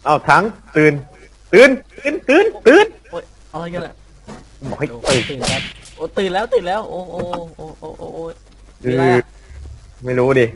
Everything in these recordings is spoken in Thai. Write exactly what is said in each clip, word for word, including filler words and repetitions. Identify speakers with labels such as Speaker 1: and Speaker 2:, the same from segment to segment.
Speaker 1: เอาทั้งตื่นตื่นตื่นตื่นตื่น
Speaker 2: โอ๊ยอะไรกันล่ะ
Speaker 1: บอกให้ตื่น
Speaker 2: ตื่นครับโอ้ตื่นแล้วตื่นแล้วโอ้โอ้โอ้โอ้โอ้โอ้
Speaker 1: คือไม่รู้ดิ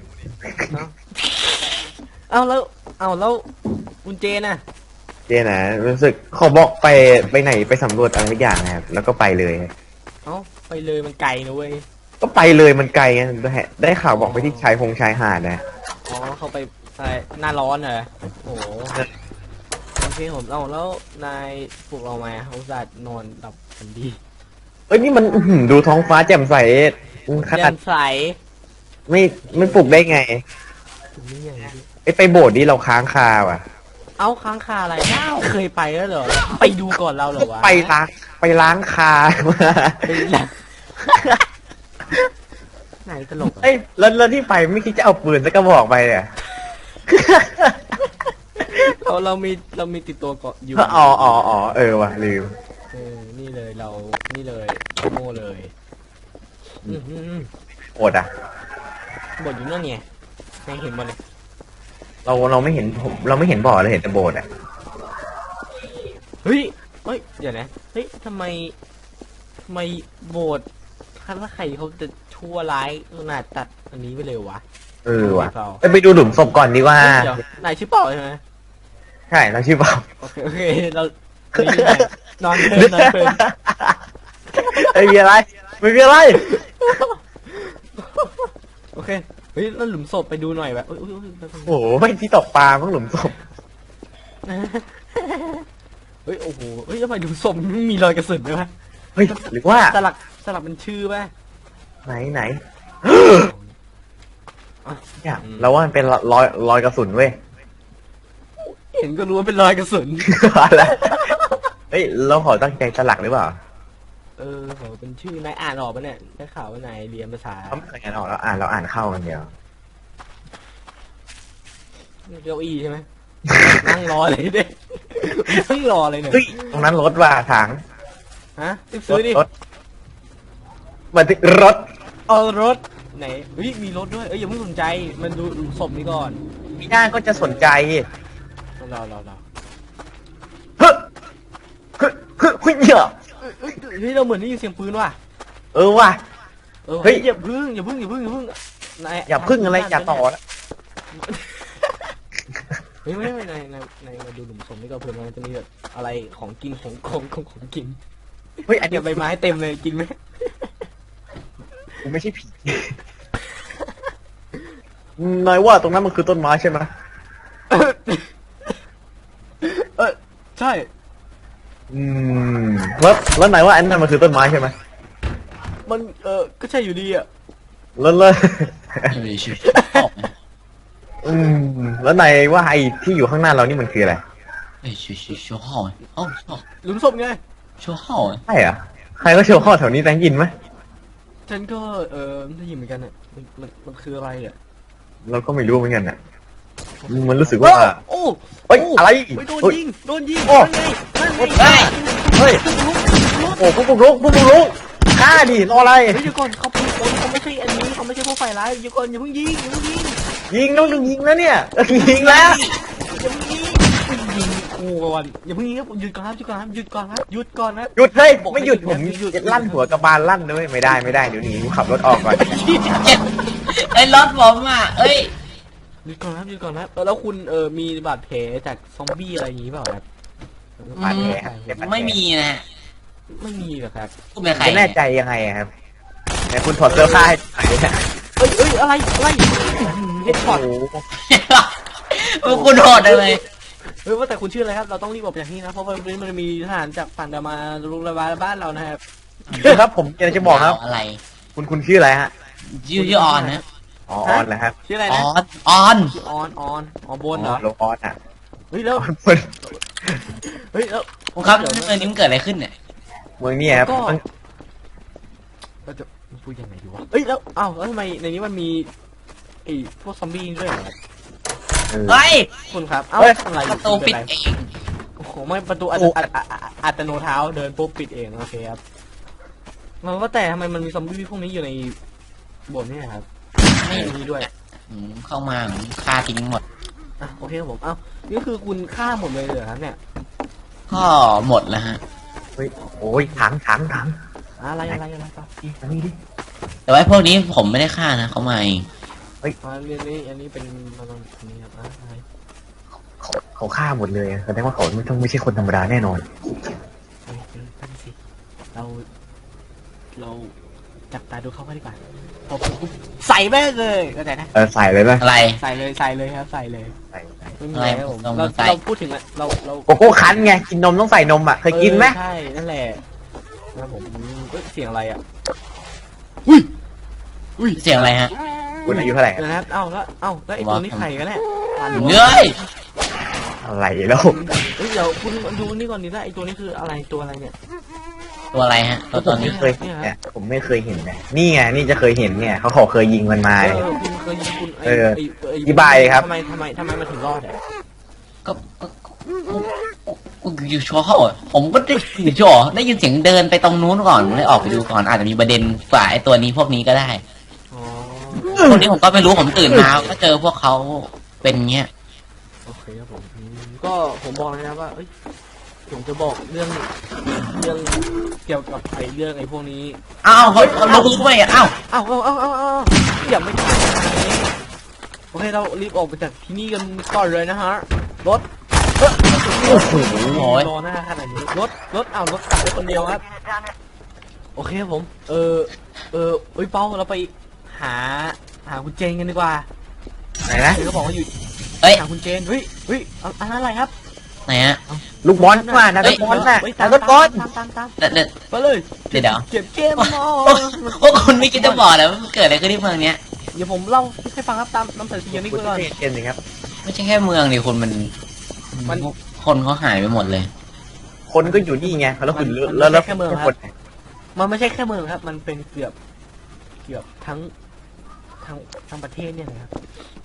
Speaker 2: เอาแล้วเอาแล้วคุณเจน่ะ
Speaker 1: เจนะรู้สึกเขาบอกไปไปไหนไปสำรวจอะไรทุกอย่างนะครับแล้วก็ไปเลย
Speaker 2: เอ้าไปเลยมันไกลนะเว้ย
Speaker 1: ก็ไปเลยมันไกลไงได้ข่าวบอกไปที่ชายพงชายหาดนะ
Speaker 2: อ๋อเขาไปหน้าร้อนเหรอโอ้โอเคผมเอาแล้วนายปลุกเรามาเขาจะนอนหลับฝันดี
Speaker 1: เอ้ยนี่มันดูท้องฟ้าแจ่มใส
Speaker 2: ขนาดใส
Speaker 1: ไม่ไม่ปลุกได้ไงไอ้ไปโบสถ์นี่เราค้างคาว่ะ
Speaker 2: เอาค้างคาอะไรเคยไปแล้วเหรอไปดูก่อนเราเหรอวะ
Speaker 1: ไปล้างไปล้างคา
Speaker 2: ไหนตลก
Speaker 1: เอ้ยแล้วที่ไปไม่คิดจะเอาปืนสักกระบอกไปเนี่ย
Speaker 2: เราเรามีเรามีติดตัวเกาะอยู่
Speaker 1: อ๋ออ๋ออ๋อเออว่ะลืม
Speaker 2: เออนี่เลยเรานี่เลยโม่เลย
Speaker 1: โอดอ่ะ
Speaker 2: บทอยู่นั่นไงยังเห็นบ่เลย
Speaker 1: เราเราไม่เห็นผมเราไม่เห็นบ่อเราเห็นแต่โบสถ์อ่ะ
Speaker 2: เฮ้ยเฮ้ยเดี๋ยวนะเฮ้ยทำไมทำไมโบสถ์ถ้าใครเขาจะชั่วร้ายขนาดตัดอันนี้ไปเลยวะ
Speaker 1: เออว่ะไปดูหลุมศพก่อนดีกว่
Speaker 2: านายชื่อเปล่าใช่ไหม
Speaker 1: ใช่เราชื่อเปล่า
Speaker 2: โอเคโอเคเรานอนเพลินนอนเพลิน
Speaker 1: ไม่มีอะไรไม่มีอะไร
Speaker 2: โอเคเฮ้ยแล้วหลุมศพไปดูหน่อยแบบ
Speaker 1: โอ้โหไม่ที่ตกปลามั้งหลุมศพ
Speaker 2: เฮ้ยโอ้โหเฮ้ยทำไมหลุมศพมันมีรอยกระสุนด้วยวะ
Speaker 1: เฮ้ยหรือว่า
Speaker 2: สลักสลักเป็นชื่อป่ะ
Speaker 1: ไหนไหนเนี่ยเราว่ามันเป็นรอยรอยกระสุนเว้ย
Speaker 2: เห็นก็รู้ว่าเป็นรอยกระสุน
Speaker 1: แล้วเฮ้ยเราขอตั้งใจสลักหรือเปล่า
Speaker 2: เออเขาเป็นชื่อนายอ่านออกปะเนี่ยได้ข่าวว่านายเรียนภาษา
Speaker 1: เขาไม่เคยอ่านออกเราอ่านเราอ่านเข้ากันเดียว
Speaker 2: เก้าอี้ใช่ไหมนั่งรอเลยเด็กนั่งรอเลยเนี่ย
Speaker 1: ตรงนั้นรถว่าถัง
Speaker 2: ฮะซื้อดิ
Speaker 1: รถมาถึงรถ
Speaker 2: เออรถไหนเฮ้ยมีรถด้วยเอ้ยอย่าเพิ่งสนใจมันดูศพนี้ก่อน
Speaker 1: พี่หน้าก็จะสนใจ
Speaker 2: รอรอรอ
Speaker 1: เฮ้ยเฮ้ยเฮ้ยเฮ้ยเ
Speaker 2: ฮ้ยเราเหมือนได้ยินเสียงปืนว่ะ
Speaker 1: เออว่ะ
Speaker 2: เฮ้ยอย่าพึ่งอย่าพึ่งอย่าพึ่งอย่าพึ่งนาย
Speaker 1: อย่าพึ่งอะไรอย่าต่อแล้ว
Speaker 2: เฮ้ยไม่ไม่ในในในมาดูหลุมศพนี่ก็เพื่อนมันจะมีแบบอะไรของกินของของของของกิน
Speaker 1: เฮ้ยอันนี้
Speaker 2: ใบไม้เต็มเลยกินไหม
Speaker 1: กูไม่ใช่ผีนายว่าตรงนั้นมันคือต้นไม้ใช่ไหม
Speaker 2: เออใช่
Speaker 1: อืมแล้วแล้วนายว่าอันนั้นมันคือต้นไม้ใช่ไหม
Speaker 2: มันเออก็ใช่อยู่ดีอ่ะ
Speaker 1: แล้วแล้วอืมแล้วนายว่าไอ้ที่อยู่ข้างหน้าเรานี่มันคืออะไร
Speaker 3: 哎，学学学号哎，哦，哦，
Speaker 2: หลุมศพไง
Speaker 3: 学号哎，
Speaker 1: ใช่เหรอใครก็โชว์ข้อแถวนี้แตงยินไหม
Speaker 2: ฉันก็เออได้ยินเหมือนกันอ่ะมันมันมันคืออะไรอ่ะ
Speaker 1: เราก็ไม่รู้เหมือนกันอ่ะมันรู้สึกว่า
Speaker 2: โอ้
Speaker 1: เฮ้ยอะไร
Speaker 2: โดนยิงโดนยิง
Speaker 1: โอ้
Speaker 2: เฮ้ย
Speaker 1: เฮ้ยโอ้พวกพวกลุกพวกพวกลุกฆ่าดิรออะไร
Speaker 2: เฮ้ยเดี๋ยวก่อนเขาเป็นคนเขาไม่ใช่อันนี้เขาไม่ใช่พวกฝ่ายร้ายเดี๋ยวก่อนอย่าเพิ่งยิงอย่าเพิ่งยิง
Speaker 1: ยิงต้องดึงยิงแล้วเนี่ยยิงแล้ว
Speaker 2: อย่าเพิ่งยิงยิงกูก่อนอย่าเพิ่งยิงครับหยุดก่อนครับหยุดก่อนครับหยุดก่อนครับหยุดก่อนนะ
Speaker 1: หยุดเฮ้ยไม่หยุดผมลั่นหัวกระบาลลั่นด้วยไม่ได้ไม่ได้เดี๋ยวนี้ขับรถออกก่อน
Speaker 3: ไอ้รถผมอ่ะเอ้ย
Speaker 2: หยุดก่อนครับหยุดก่อนครับแล้วคุณเออมีบาดแผลจากซอมบี้อะไรอย่างนี้เปล่าครับ
Speaker 1: บาดแผล
Speaker 3: ไม่มีนะ
Speaker 2: ไม่มีหรอครับ
Speaker 3: คุณเป็นใคร
Speaker 1: แน่ใจยังไงครับแต่คุณถอดเสื้อผ้าให้
Speaker 2: เอ้ยเอ้ยอะไรอะไรเฮ็ดช็อต
Speaker 3: โอ้คุณโหดเลย
Speaker 2: เฮ้ยว่าแต่คุณชื่ออะไรครับเราต้องรีบบอกอย่างนี้นะเพราะวันนี้มันมีทหารจากฝั่งดามาลุกระบาดบ้านเรานะครับ
Speaker 1: ครับผมอยากจะบอกครับ
Speaker 3: อะไร
Speaker 1: คุณคุณชื่ออะไรฮะ
Speaker 3: ชื่อชื่อออนนะ
Speaker 1: ออนนะครับ
Speaker 2: ชื่ออะไรนะ
Speaker 3: ออนออน
Speaker 2: ออนออนอ๋อบนเหรอ
Speaker 1: โลออนอ่ะ
Speaker 2: เฮ้ยแล้วเฮ้ยแล้ว
Speaker 3: ครับเมื่อนี้มันเกิดอะไรขึ้นเนี่ย
Speaker 1: เมืองนี้ครับ
Speaker 2: เราจะพูดยังไงดีวะเฮ้ยแล้วอ้าวแล้วทำไมในนี้มันมีไอ้พวกซอมบี้ด้วยเหรอ
Speaker 3: เฮ้ย
Speaker 2: คุณครับเอ้าอะไร
Speaker 3: ประตูปิดเอง
Speaker 2: โอ้โหไม่ประตูอัตโนเท้าเดินปุ๊บปิดเองโอเคครับมันว่าแต่ทำไมมันมีซอมบี้พวกนี้อยู่ในโบสถ์นี่ครับไม่มีด้วย
Speaker 3: เข้ามาฆ่าทิ้งหมด
Speaker 2: ฮอ่ะโอเคครับผมเอ้านี่คือคุณฆ่าหมดเลยเหรอครับเนี่ย
Speaker 3: ก็หมดแล้วฮะ
Speaker 1: เฮ้ยโอ้ยถังถังถัง
Speaker 2: อะไรอะไรอะไรครับ
Speaker 1: นี่มานี่ดิ
Speaker 3: แต่ว่าพวกนี้ผมไม่ได้ฆ่านะเขามาเอง
Speaker 2: อ่าเรื่องนี้อันนี้เป็นมันอันนี้ครับอ่ะอะไร
Speaker 1: เขาเขาฆ่าหมดเลยแสดงว่าเขาไม่ต้องไม่ใช่คนธรรมดาแน่นอน
Speaker 2: เฮ้ยเฮ้ยนั่นสิเรา เราจับตาดูเขากันดีกว่าพอปุ๊บใส่แม่งเลยเข้าใจนะ
Speaker 1: เออใส่เลยไหม
Speaker 3: อะไร
Speaker 2: ใส่เลยใส่เลยครับใส่เลย
Speaker 1: ใส่ใส่
Speaker 2: ไม่มีอะไรครับผม
Speaker 3: อะไร
Speaker 2: เรา
Speaker 3: ใส่
Speaker 2: เราพูดถึงอะเราเรา
Speaker 1: โกโก้คั้นไงกินนมต้องใส่นมอ่ะเคยกินไหม
Speaker 2: เออใช่นั่นแหละนะครับผมเอ้ยเสียงอะไรอ่ะอุ้ยอุ้ย
Speaker 3: เสียงอะไรฮะ
Speaker 1: คุณอายุเท่าไหร่อะ
Speaker 2: นะครับเอ้าแล้วเอ้าแล้วไอ้ตัวนี้ใครกันแน่อ่านดู
Speaker 3: เฮ้ย
Speaker 1: อะไรแล้ว
Speaker 2: เฮ้ยเดี๋ยวคุณดูนี่ก่อนดิแล้วไอ้ตัวนี้คืออะไรตัวอะไรเนี่ย
Speaker 3: ตัวอะไรฮะตัวตอน
Speaker 1: ไม่
Speaker 3: นี้
Speaker 1: เคยเห็นเนี่ยผมไม่เคยเห็นนะนี่ไงนี่จะเคยเห็นเนี่ยเขาขอเคยยิงมันมา
Speaker 2: เออคุณเคยยิงคุณ
Speaker 1: เออ
Speaker 2: ไไไ
Speaker 1: อธิบายเลยครับ
Speaker 2: ทำไมทำไมทำไมมันถึงรอดอ่ะ
Speaker 3: ก็ก็ก็ก็อยู่ชัวร์เขาอะผมก็ได้อยู่ชัวร์ได้ยินเสียงเดินไปตรงนู้นก่อนผมเลยออกไปดูก่อนอาจจะมีประเด็นฝ่ายไอ้ตัวนี้พวกนี้ก็ได้
Speaker 2: อ๋อ
Speaker 3: พวกนี้ผมก็ไม่รู้ผมตื่นมาก็เจอพวกเขาเป็นเงี้ย
Speaker 2: โอเคครับผมอืมก็ผมบอกเลยนะว่าเอ้ยผมจะบอกเรื่องเรื่องเกี่ยวกับไอ้เรื่องไอ้พวกนี้
Speaker 3: อ้าวเขาเขาลุกด้วยอ่ะอ้าว
Speaker 2: เอ้าเอ้าเอ้าเอ้าเอ้าอย่าไม่ทันโอเคเรารีบออกไปจากที่นี่กันก่อนเลยนะฮะรถเอ้ย
Speaker 1: โอ้โห
Speaker 3: โอ้ย
Speaker 2: รอหน้าขนาดนี้รถรถเอารถกลับไปคนเดียวครับโอเคครับผม เออเออเอ้ยเป้าเราไปหาหาคุณเจนกันดีกว่า
Speaker 1: ไหนนะ
Speaker 2: เดี๋ยวเขาบอกว่าอยู่
Speaker 3: เฮ้ย
Speaker 2: หาคุณเจนเฮ้ยเฮ้ยเอาอันนั้นอะไรครับ
Speaker 3: ไหนฮะ
Speaker 1: ลูกบอลมานะลูกบอลน่ะ
Speaker 2: เฮ้ย
Speaker 1: นะลูกบอล
Speaker 2: ตามตามตาม
Speaker 3: เดี๋ยวเดี๋ยว
Speaker 2: ไปเลย
Speaker 3: เดี๋ยวเดี๋ยว
Speaker 2: เก็บเกมมอ
Speaker 3: โอ้โอ้คุณไม่คิดจะบอกเลยว่ามันเกิดอะไรขึ้นที่เมืองเนี้ย
Speaker 2: เดี๋ยวผมเล่าให้ฟังครับตามน้ำใสเสียงนี่
Speaker 1: คุณ
Speaker 2: ก่อน
Speaker 1: เจนเลยครับ
Speaker 3: ไม่ใช่แค่เมืองดิคุณมัน
Speaker 2: มัน
Speaker 3: คนเขาหายไปหมดเลย
Speaker 1: คนก็อยู่นี่ไงแล้วคุณ
Speaker 2: มัน
Speaker 1: แล้วแล้ว
Speaker 2: แค่เมืองครับ
Speaker 1: คน
Speaker 2: มันไม่ใช่แค่เมืองครับ มันเป็นเกือบเกือบทั้งทั้งทั้งประเทศเนี่ยนะครับ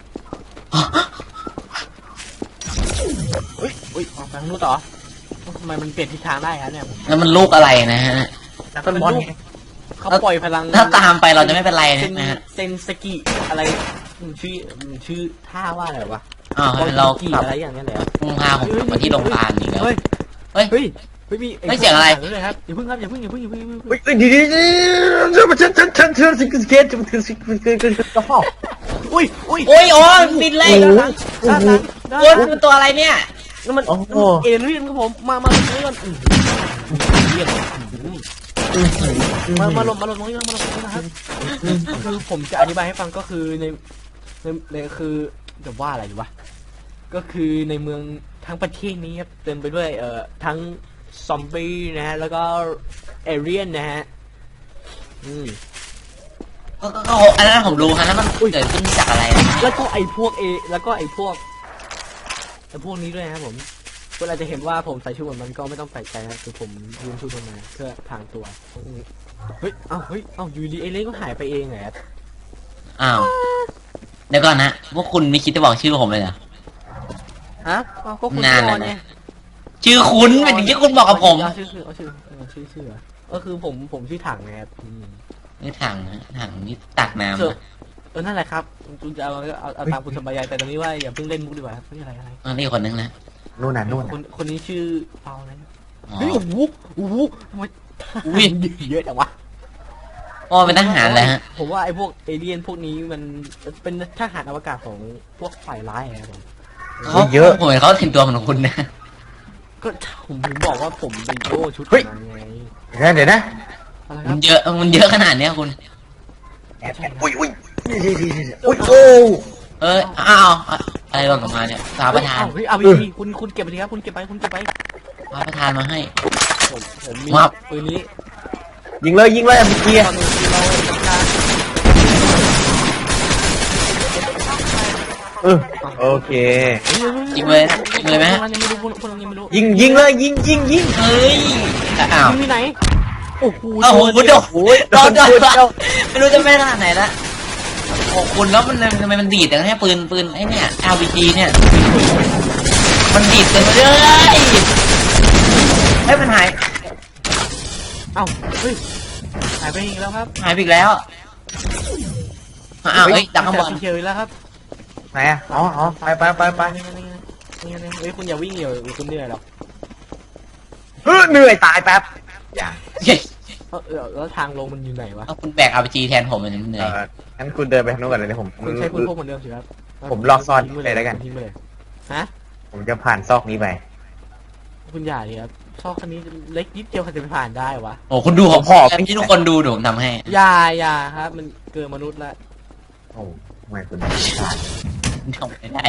Speaker 2: เฮ้ยเฮ้ยออกไปทางนู้นต่อทำไมมันเปลี่ยนทิศทางได้ครับเนี่ยผม
Speaker 3: แล้วมันลูกอะไรนะฮะ
Speaker 1: นักบอลไง
Speaker 2: เขาปล่อยพลัง
Speaker 3: ถ้าตามไปเราจะไม่เป็นไร
Speaker 2: เซน
Speaker 3: นะฮะ
Speaker 2: เซนสกิอะไรมันชื่อมันชื่อท่าว่าอะไรวะ
Speaker 3: อ้าว
Speaker 2: บอล
Speaker 3: เรา
Speaker 2: สกิอะไรอย่างเงี้ยแหละ
Speaker 3: พุ่งพาผมกลับมาที่โรงพยาบาลอีกแล้ว
Speaker 2: เฮ้ย
Speaker 3: เฮ้ย
Speaker 2: เฮ้ยเฮ้ยมี
Speaker 3: เฮ้ยเสียงอะไร
Speaker 2: เลยครับอย่าเพิ่งครับอย่าเพิ่งอย่าเพิ่งอย่าเพิ่งอย่าเพิ่ง
Speaker 1: เฮ้ยเฮ้ยเดียวเดียวเดี๋ยวฉันฉันฉันฉันฉันเกตฉันฉันฉันฉันฉันฉันกระเพาะ
Speaker 2: อุ้ยอุ้ย
Speaker 3: โอ้ยโอ้ยบินเลย
Speaker 1: โอ้โห
Speaker 2: ด้านหลังด้านห
Speaker 3: โอ้
Speaker 2: ลั
Speaker 3: ย
Speaker 2: ง
Speaker 3: มันตัวอะไรเนี่ย
Speaker 2: แล้วมัน
Speaker 1: โอ้โห
Speaker 2: เอเลี่ยนครับผมมามาลงนี้ก่อนอื้อเลี่ยนมามาลงมาลงตรงนี้ก่อนมาลงตรงนี้นะครับคือผมจะอธิบายให้ฟังก็คือในในในคือจะว่าอะไรดีวะก็คือในเมืองทั้งประเทศนี้ครับเต็มไปด้วยเอ่อทั้งซอมบี้นะฮะแล้วก็เอเลี่ยนนะฮะอืม
Speaker 3: ก็ก็ก็อันนั้นผมรู้ฮะนั้นมันเกิดขึ้นจากอะไรนะ
Speaker 2: แล้วก็ไอ้พวกเอแล้วก็ไอ้พวกไอ้พวกนี้ด้วยนะครับผมเวลาจะเห็นว่าผมใส่ชุดเหมือนมันก็ไม่ต้องแปลกใจนะคือผมยืมชุดมันมาเพื่อพรางตัวเฮ้ยเอ้าเฮ้ยเอ้าอยูดีไอ้เล่ก็หายไปเองไงครับ
Speaker 3: อ้าวเดี๋ยวก่อนนะพวกคุณไม่คิดจะบอกชื่อผมเลยเหรอ
Speaker 2: ฮะเอ้าก็คุณ
Speaker 3: นาน
Speaker 2: น
Speaker 3: แล้
Speaker 2: อ
Speaker 3: วน นะ
Speaker 2: ไง
Speaker 3: ชื่อคุณเป็นอย่างที่คุณบอกกับผม
Speaker 2: เอาชื่อชื่อเอาชื่อเอาชื่อชื่อเหรอก็คือผมผมชื่อถังไงครับอืม
Speaker 3: นี่ถังนะถังนี่ตักน้ำ
Speaker 2: เออ
Speaker 3: นะ
Speaker 2: เออนั่นแหละครับคุณจะเอาเอาเอาตามคุณสบายใจแต่ตอนนี้ว่าอย่าเพิ่งเล่นมุกดีกว่าครับนี่อะไรอะไร
Speaker 3: อันนี้คนนึงนะ
Speaker 1: นู่นน่ะนู่น
Speaker 2: ค
Speaker 1: น่ะ
Speaker 2: นคนนี้ชื่อเปาอะไรนะ
Speaker 3: อ๋อ
Speaker 2: เฮ้ยโอ้โหโอ้โหทำไม
Speaker 3: อุ้ย
Speaker 2: เยอะจังวะ
Speaker 3: อ๋อเป็นทหารเลยฮะ
Speaker 2: ผมว่าไอ้พวกเอเลี่ยนพวกนี้มันเป็นทหารอวกาศของพวกฝ่ายร้ายไงครับผม
Speaker 3: เขาเยอะผมเห็นเขาถึงตัวเหมือนคุณนะ
Speaker 2: ก็ผมถึงบอกว่าผมเป็นโยชุด
Speaker 1: เฮ้ย
Speaker 2: นั้นไง
Speaker 1: เดี๋ยวนะเดี๋ยวนะ
Speaker 2: อะไรค
Speaker 3: มั
Speaker 2: รับ
Speaker 3: นเยอะมันเยอะขนาดเนี้ยคุณ
Speaker 1: แอบแอบอุ้ยอุ้ยอุ้ยโอ้
Speaker 3: เอออ้าวอะไรหล่นออกมาเนี่ยฟ้าประธาน
Speaker 2: เฮ้ยเอาไปดีคุณคุณเก็บไปดีครับคุณเก็บไปคุณเก็บไป
Speaker 3: ฟ้าประธานมาให้
Speaker 2: ผมผมมี
Speaker 3: วับ
Speaker 2: ปืนนี้
Speaker 1: ยิงเลยยิงเลยเมื่อกี้
Speaker 2: ตอนนี้เราทำการ
Speaker 1: เออโอเค
Speaker 3: ยิงเลยยิงเลยไหมฮะ
Speaker 2: ยังไม่รู้พวกพวกยังไม่รู้
Speaker 1: ยิงยิงเลยยิงยิงยิง
Speaker 3: เฮ้ยอ้าว
Speaker 2: ยิงที่ไหนโอ้โห
Speaker 3: โอ้โหโดน
Speaker 1: โอ้ย
Speaker 3: โดนโดนไม่รู้จะไม่ขนาดไหนละโอ้คุณแล้วมันทำไมมันดีดแต่แค่ปืนปืนไอ้เนี่ย แอล พี จี เนี่ยมันดีดเต็มเลยเฮ้ยมันหาย
Speaker 2: เอ้าเฮ้ยหายไปอีกแล้วครับ
Speaker 3: หายไปอีกแล้วอ้าวเฮ้ยดักข้างบน
Speaker 2: เฉยแล้วครับ
Speaker 1: ไหนอะอ๋ออ๋อไปไปไปไป
Speaker 2: นี่ไงนี่ไงนี่ไงนี่ไงเฮ้ยคุณอย่าวิ่งเดี๋ยวคุณเหนื่อยหรอก
Speaker 1: เฮ้ยเหนื่อยตายแป๊บอย่า
Speaker 2: เออเออแล้วทางลงมันอยู่ไหนวะ
Speaker 3: เอาคุณแบกอาร์พีจีแทนผมมันเหนื่
Speaker 1: เอ
Speaker 3: อย
Speaker 1: องั้นคุณเดินไปทางโน้นก่อนเลยเดี๋ยวผม
Speaker 2: คุณใช้ปืนพกเหมือนเดิมสิครับ
Speaker 1: ผมลอกซ่อน
Speaker 2: ทิ้งไป
Speaker 1: เลยแล้วกัน
Speaker 2: ทิ้งไปเลยฮะ
Speaker 1: ผมจะผ่านซอกนี้ไป
Speaker 2: คุณอย่าดิครับซอกคันนี้เล็กนิดเดียวใครจะไปผ่านได้วะ
Speaker 3: โอ้คุณดูผมพอที่ทุกคนดูเดี๋ยวผมทำให้
Speaker 2: อย่าอย่าครับ มันเกินมนุษย์ละ
Speaker 1: โอ้ทำไมคุณ
Speaker 3: ทำไม่ได้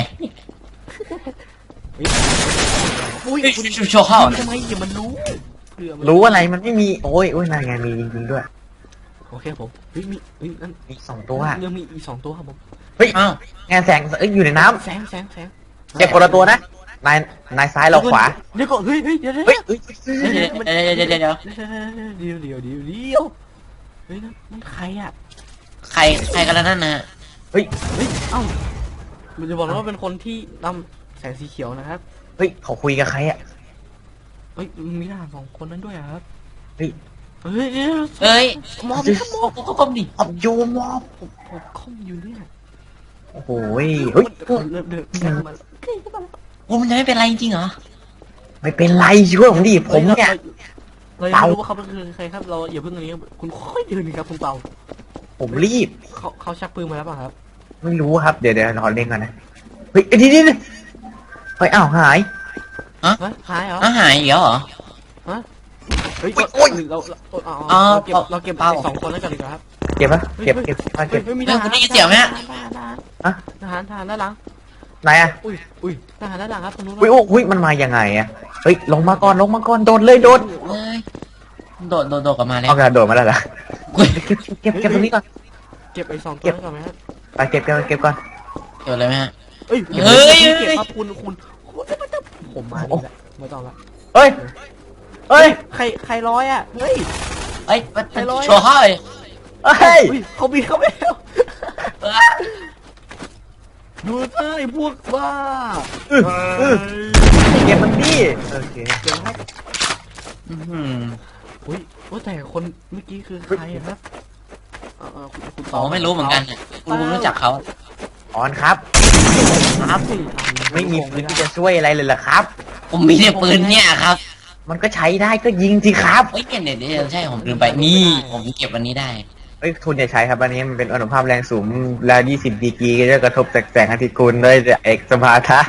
Speaker 2: อุ้ย
Speaker 3: เฮ้ย
Speaker 2: คุณ
Speaker 3: โชว์เข้า
Speaker 2: ทำไมอย่ามันรู้เผื่อมัน
Speaker 1: รู้อะไรมันไม่มีโอ้ยโอ้ยนายไงมีจริงๆด้วย
Speaker 2: โอเคผมเฮ้ยมีเฮ้ยนั่น
Speaker 1: มีสองตัว
Speaker 2: ยังมีอีกสองตัวครับผม
Speaker 3: อ้าว
Speaker 1: งานแสงเอ้ยอยู่ในน้ำ
Speaker 2: แสงแสงแสง
Speaker 1: เจ็บคนละตัวนะนายนายซ้ายเราขวา
Speaker 2: เดี๋ยวก่อนเฮ้ยเฮ้ยเดี๋ยวเดี๋ยว
Speaker 1: เฮ้ยเฮ้ยเฮ้ย
Speaker 3: เดี๋ยวเดี๋ยวเดี๋ยวเดี๋ยวเดี๋ยว
Speaker 2: เดี๋ยวเดี๋ยวเดี๋ยวเดี๋ยวเฮ้ยนั่นนั่นใครอ่ะ
Speaker 3: ใครใครกันแล้วนั่นนะ
Speaker 2: เฮ้ยเอ้ามันจะบอกนะว่าเป็นคนที่นำแสงสีเขียวนะครับ
Speaker 1: เฮ้ยเขาคุยกับใครอ่ะ
Speaker 2: เฮ้ยมีทหารสองคนนั้นด้วยอะครับ
Speaker 1: เฮ้ย
Speaker 2: เฮ้ยเดี๋ยว
Speaker 3: เอ้ย
Speaker 2: มอบ
Speaker 3: โอ้โหก็ก้มดิ
Speaker 1: อับโยมอบ
Speaker 2: ผมผมคอมอยู่เนี่ย
Speaker 1: โอ้โหเฮ้ย
Speaker 2: เดินเดินเดินมา
Speaker 3: โอ้มันจะไม่เป็นไรจริงเหรอ
Speaker 1: ไม่เป็นไรช่วยผมดิผมเนี่ย
Speaker 2: เรายังไม่รู้ว่าเขาเป็นใครครับเราอย่าเพิ่งอันนี้คุณค่อยเดินครับคุณเปา
Speaker 1: ผมรีบ
Speaker 2: เขาเขาชักปืนมาแล้วป่ะครับ
Speaker 1: ไม่รู้ครับเดี๋ยวเดี๋ยวรอเล่นก่อนนะเฮ้ยนี่นี่เฮ้ยอ้าวหาย
Speaker 2: ฮะหายเหรอ
Speaker 3: อาหายอีกแล้วเหรอ
Speaker 2: เฮ้ย
Speaker 1: โอ๊ย
Speaker 2: เราเรา
Speaker 3: อ๋อ
Speaker 2: เราเก็บเราเก็บ
Speaker 3: เปล่า
Speaker 2: ไอ้สองคนแล้วกันดีกว่าครับ
Speaker 1: เก็บปะเก็บเก็บมาเก็บ
Speaker 2: เฮ้ยมีท
Speaker 3: เฮ้ย
Speaker 2: หาร
Speaker 3: คุณได้ยินเสียงไหมฮะ
Speaker 2: ทหารทหารด้านหลัง
Speaker 1: ไหนอะ
Speaker 2: อุ้ยอุ้ยทหารด้านหลังครับตรงนู้น
Speaker 1: อุ้ยโอ้ยมันมายังไงอะเฮ้ยลงมาก่อนลงมาก่อนโดดเลยโดด
Speaker 3: เอ้ยโดดโดดโดดกลับมาแล้ว
Speaker 1: เอากระโดดมาแล้วเหรอ
Speaker 3: กุ้ย
Speaker 1: เก็บเก็บเก็บตรงนี้ก่อน
Speaker 2: เก็บไอ้สองตัวนั้นก่อนไหมครับ
Speaker 1: ไปเก็บเก็บเก็บก่อน
Speaker 3: เกิดอะไรไหมฮะ
Speaker 2: เอ้ย
Speaker 3: เฮ้ย
Speaker 2: เก็บ
Speaker 3: เฮ้ย
Speaker 2: เก็บครับคุณคุณคุณผมมานี่แหละไม่ต้องละ
Speaker 1: เฮ้ยเฮ้ย
Speaker 2: ใครใครร้อยอ่ะเฮ้ย
Speaker 3: เอ้ย
Speaker 2: ใครร้อย
Speaker 3: โชว์เข้าเลย
Speaker 1: เฮ้ย
Speaker 2: อุ้ยเขาบินเข้าไปแล้ว
Speaker 3: เอ้ย
Speaker 2: ดูเถอะไอ้พวกบ้า
Speaker 1: อื้ออื้อเก็บมันดิโอเค
Speaker 2: เดี๋ยวครับ
Speaker 3: อื้อหือ
Speaker 2: อุ้ยว่าแต่คนเมื่อกี้คือใครอะครับเออเออคุณคุณ
Speaker 3: ผมก็ไม่รู้เหมือนกันเนี่ยคุณคุณรู้จักเขา
Speaker 1: ออนครับ
Speaker 2: ครับ
Speaker 1: ไม่มีปืนที่จะช่วยอะไรเลยเหรอครับ
Speaker 3: ผมมีแต่ปืนเนี่ยครับ
Speaker 1: มันก็ใช้ได้ก็ยิงสิครับ
Speaker 3: เฮ้ยเนี่ยเดี๋ยวใช่ผมลืมไปนี่ผมเก็บวันนี้ได้
Speaker 1: เอ้ยทุนอย่าใช้ครับอันนี้มันเป็นอนุภาพแรงสูงแล้วยี่สิบดีกรีก็จะกระทบแสงอาทิตย์คุณด้วยเอกสมาทะ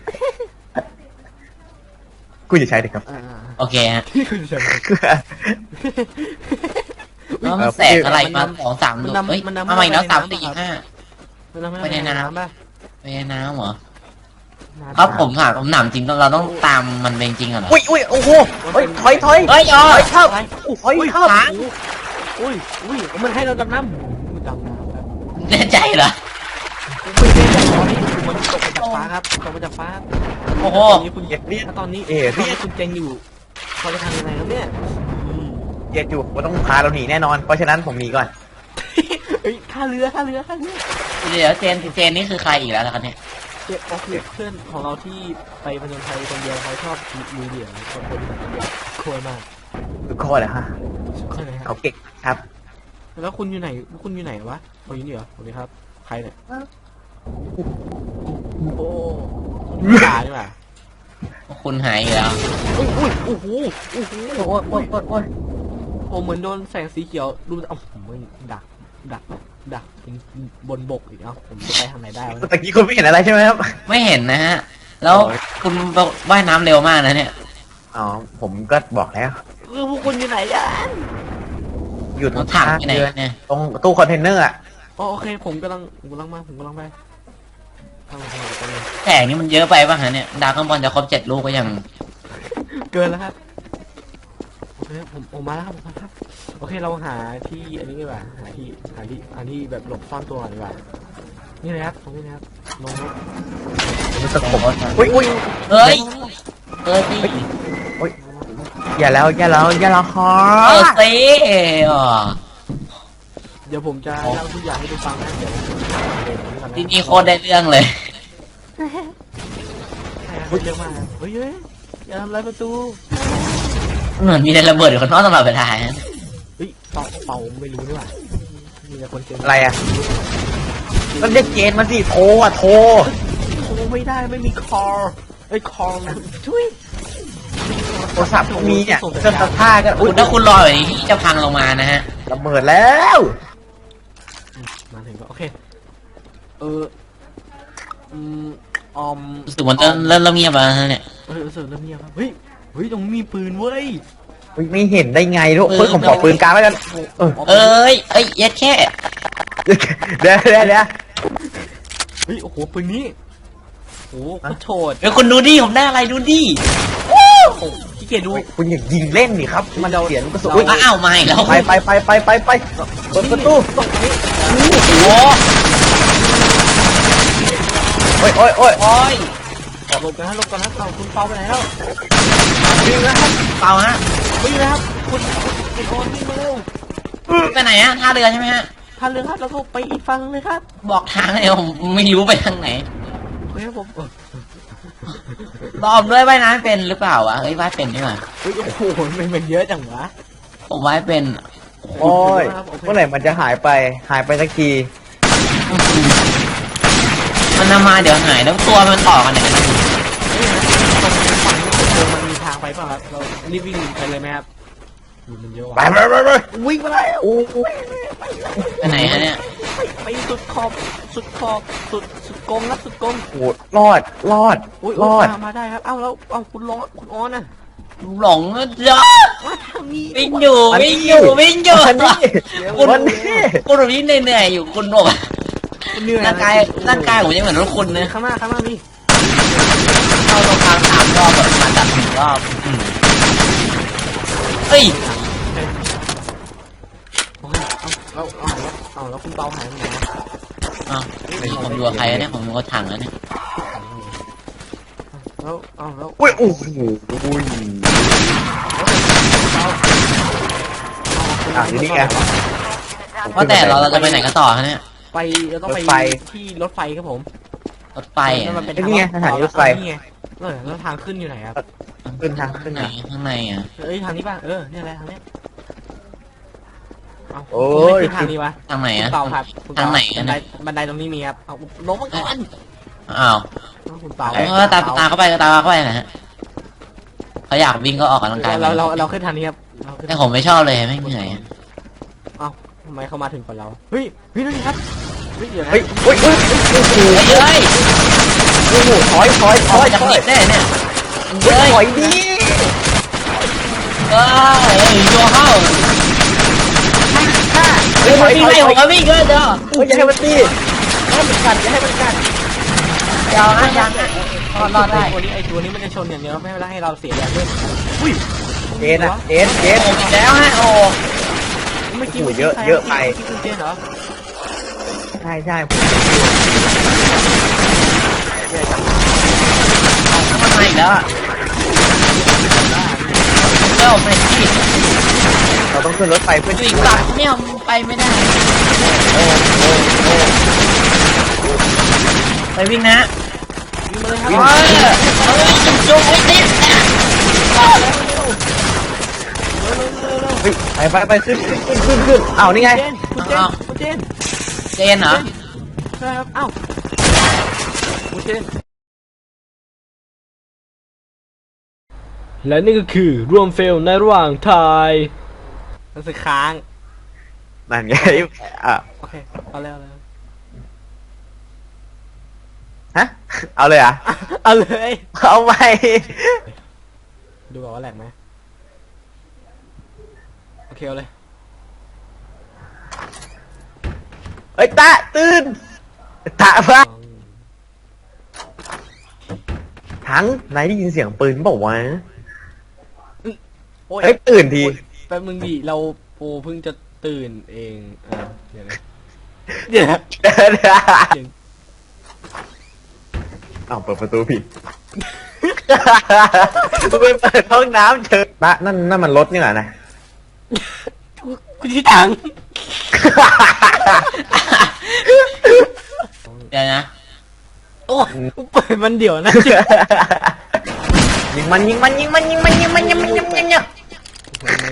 Speaker 1: กูจะใช้ดิครับ
Speaker 2: อ่า
Speaker 3: โอเคฮะ
Speaker 2: ที่คุณจะ
Speaker 3: แล้วมันแสกอะไรมาสองสามดวงเฮ้ยมาใหม่แล้วสามสี่ห้า
Speaker 2: ไปในน้ำป่ะ
Speaker 3: ไปในน้ำเหรอครับผมถามผมถามจริงเราต้องตามมันเป็นจริงเหรอ
Speaker 1: อุ้ยอุ้ยโอ้โหเฮ้ยถอยถอย
Speaker 3: เฮ้ยอ๋อ
Speaker 1: ถอยครับถอยครับ
Speaker 2: อุ้ยอุ้ยมันให้เราดำน้ำดำน้ำครับ
Speaker 3: แน่ใจเหรอ
Speaker 2: ไม่ได้แต่ตอนนี้มันตกมาจากฟ้าครับตกมาจากฟ้า
Speaker 3: โอ้โห
Speaker 2: ตอนนี้คุณ
Speaker 1: เหยียดเรียด
Speaker 2: ตอนนี้
Speaker 1: เอ๋
Speaker 2: ตอนนี้คุณเจงอยู่เขาจะทำยังไงครับเนี่ย
Speaker 1: เหยียดอยู่ว่าต้องพาเราหนีแน่นอนเพราะฉะนั้นผมหนีก่อน
Speaker 2: เฮ้ยท่าเรือท่าเรือท่าเรือ
Speaker 3: เดี๋ยวเจนเจนนี่คือใครอีกแล้วล่ะครับเนี่ย
Speaker 2: เจ็บก็คือเพื่อนของเราที่ไปประจนภัยคนเดียวเขาชอบมือเดี่ยวคนคนเดียวโคตรมาก
Speaker 1: ทุกข้อเลยฮะ
Speaker 2: ใช่ไหมครั
Speaker 1: เขา
Speaker 2: บ
Speaker 1: เก่งครับ
Speaker 2: แล้วคุณอยู่ไหนคุณอยู่ไหนวะเขาอยู่นี่เหรอสวัสดีครับใครเนี่ยโอ้ตาดีกว่า
Speaker 3: คุณหายอีกแล้ว
Speaker 2: อุ้ยอุ้ยโอ้โหโอ้โห
Speaker 1: โอ้ยโอ้ยโอ้ยโอ้ย
Speaker 2: โอ้เหมือนโดนแสงสีเขียวดูเอ้าผมไม่ดักดักดักบนบกอีกเอ้าผมจะไปทางไหนได้วะ
Speaker 1: ตะกี้คุณไม่เห็นอะไรใช่ไหมครับ
Speaker 3: ไม่เห็นนะฮะ แล้วคุณว่ายน้ำเร็วมากนะเนี่ย
Speaker 1: อ๋อผมก็บอกแล้ว
Speaker 2: เออพวกคุณอยู่ไหนกัน
Speaker 1: อยู่ตร
Speaker 3: เรา
Speaker 1: ง
Speaker 3: ถัง
Speaker 1: ข้าง
Speaker 3: ไปไหน
Speaker 1: เรือ
Speaker 3: เนี่ย
Speaker 1: ตรงตู้คอนเทนเนอร์อ่ะ
Speaker 2: อ๋อโอเคผมกำลังผมกำลังมาผมกำลังไปทางไหนทางไหนทางไหน
Speaker 3: แสงนี่มันเยอะไปป่ะฮะเนี่ยดาวข้างบนจะครบเจ็ดลูกก็ยัง
Speaker 2: เกินแล้วครับโอเคผมผมมาแล้วครับผมมาแล้วครับโอเคเราหาที่อันนี้ดีกว่าหาที่หาที่หาที่แบบหลบซ่อนตัวดีกว่านี่เลยครับตรงนี้นะครับลงรถ
Speaker 1: มันสะกดอุ้ยอุ้ย
Speaker 3: เฮ้ยเออสิ
Speaker 1: อย่าแล้วอย่าแล้วอย่าแล้วฮะ
Speaker 3: เออสิอ๋อ
Speaker 2: เดี๋ยวผมจะเล่าทุกอย่างให้ดูฟังนะเดี๋ยว
Speaker 3: ที่นี่โคตรได้เรื่องเลย
Speaker 2: เฮ้ยเยอะมากครับเฮ้ยเฮ้ยอย่าทำลายประตู
Speaker 3: เหมือนมีอะไรระเบิดอยู่ข้างนอกตลอดเวลาฮะ
Speaker 2: เฮ้ยเป่าเป่าไม่รู้ด้วยว่ะมีแต่คนเจอ
Speaker 1: อะไรอ่ะมันเรียกเจนมาสิโทรอ่ะโทร
Speaker 2: โทรไม่ได้ไม่มีคอร์ไอ้คอร์ช่วย
Speaker 1: โทรศัพท์มีเนี่ยเครื่องซักผ้าก็
Speaker 3: คุ
Speaker 1: อุ้ย
Speaker 3: ณถ้าคุณรอแบบนี้ที่จะพังลงมานะฮะ
Speaker 1: ระเบิดแล้ว
Speaker 2: มาถึงก็โอเคเอออืมออม
Speaker 3: รู้สึกมันเริ่มเริ่มเริ่มเงียบแล้วนะเนี่ย
Speaker 2: เออรู้สึกเริ่มเงียบครับเฮ้ยเฮ้ยตรงนี้มีปืนเว้ย
Speaker 1: อุ๊ยไม่เห็นได้ไงลูกเฮ้ยผมขอปืนกลางแล้วกันเออ
Speaker 3: เอ้ยเอ้ยเย็ดแค่
Speaker 1: เดี๋ยวเดี๋ยวเดี๋ยว
Speaker 2: เฮ้ยโอ้โหปืนนี้โอ้โหโคตรโฉด
Speaker 3: เฮ้ยคุณดูดิผมได้อะไรดูดิ
Speaker 2: โอ้โหขี้เกียจดู
Speaker 1: คุณอย่ายิงเล่นดิครับ มันเสียงกระสุน
Speaker 2: เรา
Speaker 1: อุ๊ย
Speaker 3: อ้าวมาอีกแล้ว
Speaker 1: ไปไปไปไปไปไปเปิดประตู
Speaker 2: ตรงนี้
Speaker 3: โอ้
Speaker 1: โอ้ยโอ้ยโอ้ย
Speaker 3: โอ้ย
Speaker 2: หลบกันนะหลบกันนะเอาคุณเปาไปไหนแล้ว
Speaker 1: ยิงนะครับ
Speaker 3: เปล่าฮะ
Speaker 2: วิ่งนะครับคุณคุณโอนวิ่งมาเร็ว
Speaker 3: ไปไหนฮะท่าเรือใช่ไหมฮะ
Speaker 2: ทันเลยครับแล้วก็ไปอีกฝั่งเลยครับ
Speaker 3: บอกทางเลยผมไม่รู้ไปทางไหน
Speaker 2: เฮ้ยครับผมเออ
Speaker 3: รอบด้วยว่ายน้ำเป็นหรือเปล่าวะเฮ้ยว่ายเป็นใช่ไหม
Speaker 2: เฮ้ยโอ้โหมันมันเยอะจังวะ
Speaker 3: ผมว่ายเป็น
Speaker 1: โอ้ยเมื่อไหร่มันจะหายไปหายไปสักที
Speaker 3: มันนำมาเดี๋ยวหายแล้วตัวมันต่อกันไหนกันนะ
Speaker 2: เฮ้ยตรงฝั่งนี้ผมมันมีทางไปเปล่ะครับเรารีบวิ่งไปเลยไหมครับดูมันเยอะ
Speaker 1: ไป
Speaker 2: ว่ะ
Speaker 1: ไปไปไป
Speaker 2: วิ่งไปแล้ว
Speaker 1: โอ้ย
Speaker 3: ไปไหนฮะเนี่ย
Speaker 2: ไปไปสุดขอบสุดขอบสุดสุดกงครับสุดกง
Speaker 1: โหรอดรอด
Speaker 2: อุ้ย
Speaker 1: รอด
Speaker 2: มามาได้ครับเอ้าแล้วเอ้าคุณร้อนคุณออนน่ะ
Speaker 3: หลงแล้วจ้า
Speaker 2: มาทางนี้
Speaker 3: วิ่งอยู่วิ่งอยู่วิ่งอยู่
Speaker 1: วันนี้
Speaker 3: คุณ
Speaker 1: วันนี้
Speaker 3: คุณแบบนี้เหนื่อยๆอยู่คุณบอกว่า
Speaker 2: คุณเหนื่อย
Speaker 3: ร่างกายร่างกายผมยังเหมือนรถคุณนะ
Speaker 2: ข้างหน้าข้างหน้ามี
Speaker 3: เข้าตรงกลางสามรอบแบบมาจับหนึ่งรอบอืมเฮ้ย
Speaker 2: โอ้ยเอาเอาเอาแล้วเอาแล้วคุณเปาหายไปไหนวะ
Speaker 3: อ้าวผมดูกับใครอะเนี่ยผมดูกับถังแล้วเนี่ย
Speaker 2: แล้วเอาแล้ว
Speaker 1: อุ้ยโอ้โหอุ้ย อ่ะอยู่นี่ไง
Speaker 3: ว่าแต่เราเราจะไปไหนกันต่อฮะเนี่ย
Speaker 2: ไปเราต้อง
Speaker 1: ร
Speaker 2: ไป
Speaker 1: ถไฟ
Speaker 2: ที่รถไฟครับผม
Speaker 3: รถไฟ
Speaker 2: นั่น
Speaker 3: อะ
Speaker 2: มันเป็น
Speaker 1: นี่ไงสถานีรถไฟ
Speaker 2: นี่ไงเออแล้วทางขึ้นอยู่ไหนครับ
Speaker 1: ขึ้นทางขึ้น
Speaker 3: ไหน
Speaker 1: ทาง
Speaker 3: ข้างในอ่ะ
Speaker 2: เอ้ยทางนี้ป่ะเออเนี่ยแหละทางเนี้ยเอา
Speaker 1: โอ้ย
Speaker 2: คุณไม่ขึ้นทางนี้วะ
Speaker 3: ทางไหน
Speaker 2: คุณ
Speaker 3: อ่ะ
Speaker 2: เปาครับคุณเป
Speaker 3: ทางไหน
Speaker 2: บั
Speaker 3: อะ
Speaker 2: นไดบันไดตรงนี้มีครับเอาลงมาก่อน
Speaker 3: อ้าว
Speaker 2: เอาคุณเปา
Speaker 3: เออตามตามเข้าไปตามเข้าไปนะฮะเขาอยากวิ่งก็ออกกำลังกาย
Speaker 2: เราเราเราขึ้นทางนี้ครับเราขึ้น
Speaker 3: แต่ผมไม่ชอบเลยไม่เหนื่อย
Speaker 2: เอ้าทำไมเขามาถึงก่อนเราเฮ้ยเฮ้ยนั่นไงครับเฮ้ยเดี๋ยวนะ
Speaker 1: เฮ้ยเฮ้ยเฮ้ยโอ้โห
Speaker 3: เฮ้ยเฮ้ย
Speaker 1: โอ้โหถอยถอยถ
Speaker 3: เขา
Speaker 1: อย
Speaker 3: จะ
Speaker 1: ถ
Speaker 3: ห
Speaker 1: อ
Speaker 3: นี
Speaker 1: ย
Speaker 3: บได้เนี่ย
Speaker 1: เฮ้ย
Speaker 3: เฮ้ย
Speaker 1: ถอยดี
Speaker 3: เฮ้ยโยเข้า
Speaker 1: เฮ้ยถอย
Speaker 3: วิ่ง
Speaker 1: ถอย
Speaker 3: ไล่
Speaker 1: ถ
Speaker 3: ผ
Speaker 1: อย
Speaker 3: มก็วิ่งก็เด้อ
Speaker 1: เฮ้ยอย่าให้มันตีอย่าให้มันกัดอย่าให้มันกัด
Speaker 3: เดี๋ยวนะยังรอดรอดได้
Speaker 2: ตัวนี้ไอตัวนี้มันจะชนอย่างเดียวไม่เป็นไรให้เราเสียแรงด้วยอุ้ย
Speaker 1: เจนอะเจนเจน
Speaker 3: ผมอีกแล้วฮะโอ้
Speaker 2: เมื่อกี้
Speaker 1: โอ้โหเยอะเยอะไป
Speaker 2: เมื่อกี้คุณเจนเหรอ
Speaker 1: ใช่ใช่
Speaker 3: มันมาอีกแล้วอ่ะเจ้าเป็นที่
Speaker 1: เราต้องขึ้นรถไฟเพื่อ
Speaker 3: อยู่อีกฝั่งเนี่ยมันไปไม่ได้
Speaker 1: โอ้โอ้โอ้
Speaker 3: ไปวิ่งนะ
Speaker 2: วิ่งมาเลยครั
Speaker 3: เฮ้ยเฮ้ยจุ๊บจุ๊บไอ้ติด
Speaker 1: เฮ้ยไปไปไปขึ้นขึ้นขึ้นขึ้นขึ้นอ้าวนี่ไง
Speaker 2: เจนคุณเจนคุณเจน
Speaker 3: เจนเหรอ
Speaker 2: ใช่ครับเอ้าคุณเจนและนี่ก็คือร่วมเฟลในระหว่างทายรู้สึกค้าง
Speaker 1: นั่นไงอ่ะ
Speaker 2: โอเคเอาเลยเอาเลย
Speaker 1: ฮะเอาเลยเหรอ่ะ
Speaker 2: เอาเลย
Speaker 1: เอาไป
Speaker 2: ดูก่อนว่าแหลกไหมโอเคเอาเลย
Speaker 1: เฮ้ยตาตื่นตาพะทั้งนายได้ยินเสียงปืนบอกว่าวะ
Speaker 2: โอ้ย
Speaker 1: เฮ้ยตื่นที
Speaker 2: แป๊บมึงดิเราโปเพิ่งจะตื่นเองอ่าเดี๋ยวนะเดี๋ยวนะ
Speaker 1: เดินอ้าวเปิดประตูผิดกูไปเปิดห้องน้ำเจอตะนั่นนั่นมันรถนี่แหละนะ
Speaker 2: คุณที่ถัง
Speaker 3: เดี๋ยวนะ
Speaker 2: โอ้เปิดมันเดี๋ยวนะ
Speaker 1: ยิงมันยิงมันยิงมันยิงมันยิงมันยิงมันยิงมันยิงมัน
Speaker 2: ไม่